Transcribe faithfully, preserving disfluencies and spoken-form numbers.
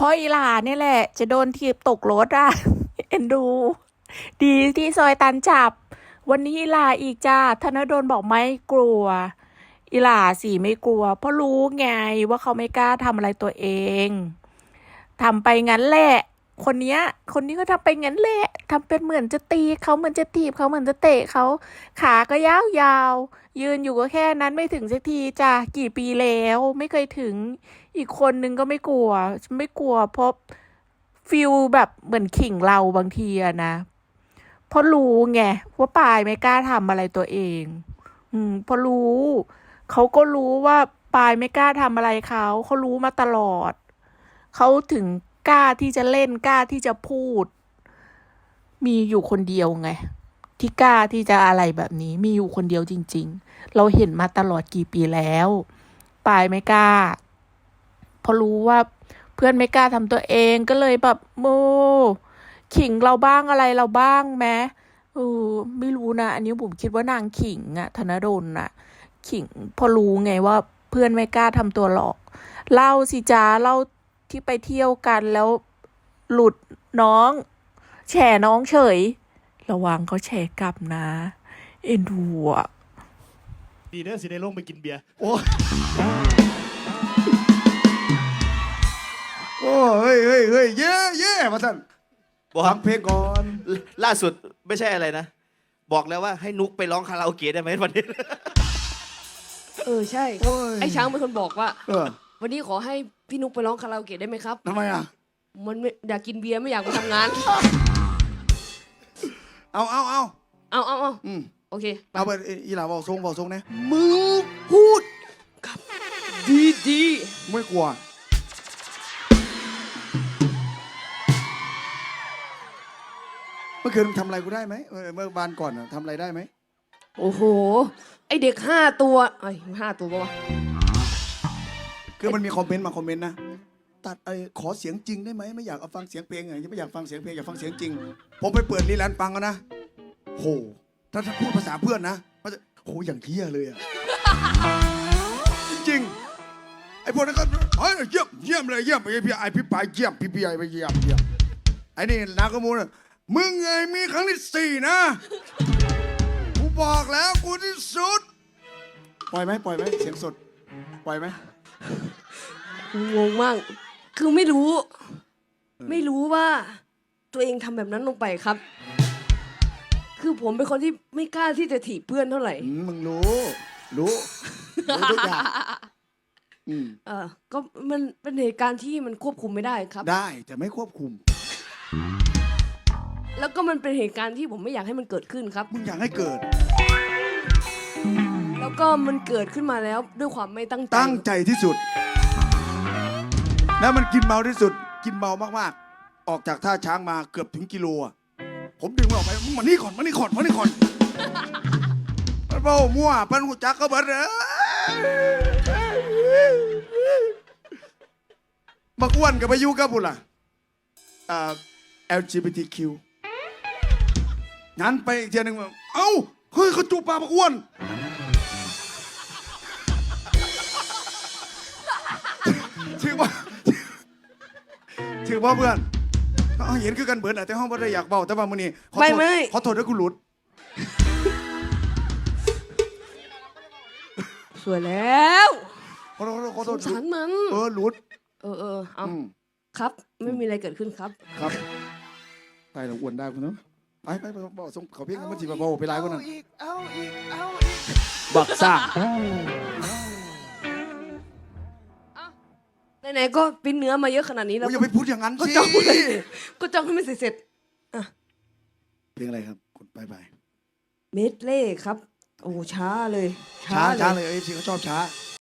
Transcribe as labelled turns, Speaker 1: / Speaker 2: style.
Speaker 1: ราะอีหลาเนี่ยแหละจะโดนถีบตกรถอ่ะ เอ็นดู ดีที่ซอยตันจับ วันนี้อีหลาอีกจ้าธนดลบอกไม่กลัวอีหลาสิไม่กลัว เพราะรู้ไงว่าเขาไม่กล้าทำอะไรตัวเองทำไปงั้นแหละ คนเนี้ย คนนี้ก็ทำไปงั้นแหละทำเป็นเหมือนจะตีเขาเหมือนจะถีบเขาเหมือนจะเตะเขาขาก็ยาวยาวยืนอยู่ก็แค่นั้นไม่ถึงสักทีจ้ะกี่ปีแล้วไม่เคยถึงอีกคนนึงก็ไม่กลัวไม่กลัวเพราะฟิลแบบเหมือนขิงเราบางทีอะนะเพราะรู้ไงว่าปายไม่กล้าทำอะไรตัวเอง อืมเพราะรู้เขาก็รู้ว่าปายไม่กล้าทำอะไรเขาเขารู้มาตลอดเขาถึงกล้าที่จะเล่นกล้าที่จะพูด มีอยู่คนเดียวไงที่กล้าที่จะอะไรแบบนี้ มีอยู่คนเดียวจริงๆเราเห็นมาตลอดกี่ปีแล้วปายไม่กล้าเพราะรู้ว่าเพื่อนไม่กล้าทำตัวเองก็เลยแบบโมขิงเราบ้างอะไรเราบ้างแม้เออไม่รู้นะอันนี้ผมคิดว่านางขิงอะธนดลอะขิงพอรู้ไงว่าเพื่อนไม่กล้าทำตัวหลอกเล่าสิจ้าเล่าที่ไปเที่ยวกันแล้วหลุดน้องแฉน้องเฉยระวังเขาแฉกลับนะเอ็นดูอ่ะ
Speaker 2: ดีเด้อสิได้ลงไปกินเบียร์
Speaker 3: โอ้โอ้เฮ้ยเฮ้ยเฮ้ยเย่เย่มาท่าน
Speaker 4: บอก
Speaker 3: ฟังเพลงก่อน
Speaker 4: ล่าสุดไม่ใช่อะไรนะ บอกแล้วว่าให้นุกไปร้องคาราโอเกะได้ไหมวันนี้
Speaker 5: เออใช่
Speaker 3: โอ้ย
Speaker 5: ไอ้ช้างเป็นคนบอกว่า
Speaker 3: เออ
Speaker 5: วันนี้ขอให้พี่นุกไปร้องคาราโอเกะได้ไหมครับ
Speaker 3: ทำไมอ่ะ
Speaker 5: มันไม่อยากกินเบียร์ไม่อยากมาทำงาน
Speaker 3: เอาเอาเอา
Speaker 5: เอาเอาเอา
Speaker 3: อืม
Speaker 5: โอเค
Speaker 3: เอาไปอีหล่าบอกทรงบอกทรงนะ
Speaker 5: มึงพูดกับดีดี
Speaker 3: ไม่กลัวเมื่อคืนทำอะไรกูได้ไหมเออเมื่อบานก่อนอะทำอะไรได้ไหม
Speaker 5: โอ้โห ไอเด็กห้าตัวไอ้ห้าตัวปะวะ
Speaker 3: คือมันมีคอมเมนต์มาคอมเมนต์นะตัดไอ้ขอเสียงจริงได้ไหมไม่อยากเอาฟังเสียงเพลงอย่างไม่อยากฟังเสียงเพลงอยากฟังเสียงจริง ผมไปเปิดรีแลนด์ฟังกันนะโหถ้าถ้าพูดภาษาเพื่อนนะมันจะโหอย่างเที่ยเลยอะ จริงๆไอ้พวกนั้นก็เฮ้ยเยี่ยมเยี่ยมเลยเยี่ยมไอ้พี่ไอ้พี่ปายเยี่ยมพี่พี่ไอ้ไปเยี่ยมเยี่ยมไอ้นี่นาขโมยมึงไงมีครั้งที่สี่นะกูบอกแล้วกูที่สุดปล่อยไหมปล่อยไหมเสียงสดปล่อยไหม
Speaker 5: งงมาก คือไม่รู้ ไม่รู้ว่า ตัวเองทำแบบนั้นลงไปครับ คือผมเป็นคนที่ไม่กล้าที่จะถีบเพื่อนเท่าไหร่
Speaker 3: อืมมึงรู้ รู้รู้ทุกอย่างอืม
Speaker 5: เออก็มันเป็นเหตุการณ์ที่มันควบคุมไม่ได้ครับ
Speaker 3: ได้แต่ไม่ควบคุม
Speaker 5: แล้วก็มันเป็นเหตุการณ์ที่ผมไม่อยากให้มันเกิดขึ้นครับ
Speaker 3: มึงอยากให้เกิด
Speaker 5: แล้วก็มันเกิดขึ้นมาแล้วด้วยความไม่ตั้งใจ
Speaker 3: ตั้งใจที่สุด แล้วมันกินเมาที่สุด กินเมามากๆ ออกจากท่าช้างมาเกือบถึงกิโลอ่ะผมดึงมันออกไปมึงมานี่ก่อนมานี่ก่อนมานี่ก่อนมันเบ้ามั่วปันหูจักก็เบิดเลยบักอ้วนกับพายุกับบุล่ะอ่า แอล จี บี ที คิว งั้นไปอีกเทียหนึ่งเอ้าเฮ้ยเขาจูบปากบักอ้วนถือว่าถือว่าเพื่อนเขาเห็นคือกันเบิร์นแต่ห้องบ่ได้อยากเบาแต่ว่ามื้อนี้ขอโทษ
Speaker 5: ไม่ไม่
Speaker 3: ขอโทษด้วยกูหลุด
Speaker 5: สวยแล้ว
Speaker 3: ขอโทษขอโทษ
Speaker 5: สงสารมัน
Speaker 3: เออหลุด
Speaker 5: เออเออเอา
Speaker 3: อืม
Speaker 5: ครับ ไม่มีอะไรเกิดขึ้นครับ
Speaker 3: ครับไปเราอ้วนได้คุณเนาะไปไปไปบอกส่งเขาเพียงมันจีบเบาไปไลฟ์คนนั้น
Speaker 2: บักซ่า
Speaker 5: ไหนๆก็ปิ้นเนื้อมาเยอะขนาดนี้แล้ว
Speaker 3: โอ้ยอย่าไปพูดอย่างนั้น
Speaker 5: ก็
Speaker 3: สิ
Speaker 5: จ้องเลยก็จ้องให้มันเสร็จ
Speaker 3: เพลงอะไรครับคุณไปไป
Speaker 5: ๆเมดเล่ครับ โอ้ช้าเลย
Speaker 3: ช้า
Speaker 5: เลย
Speaker 3: ช้าเลยเอฟซีเขาชอบช้า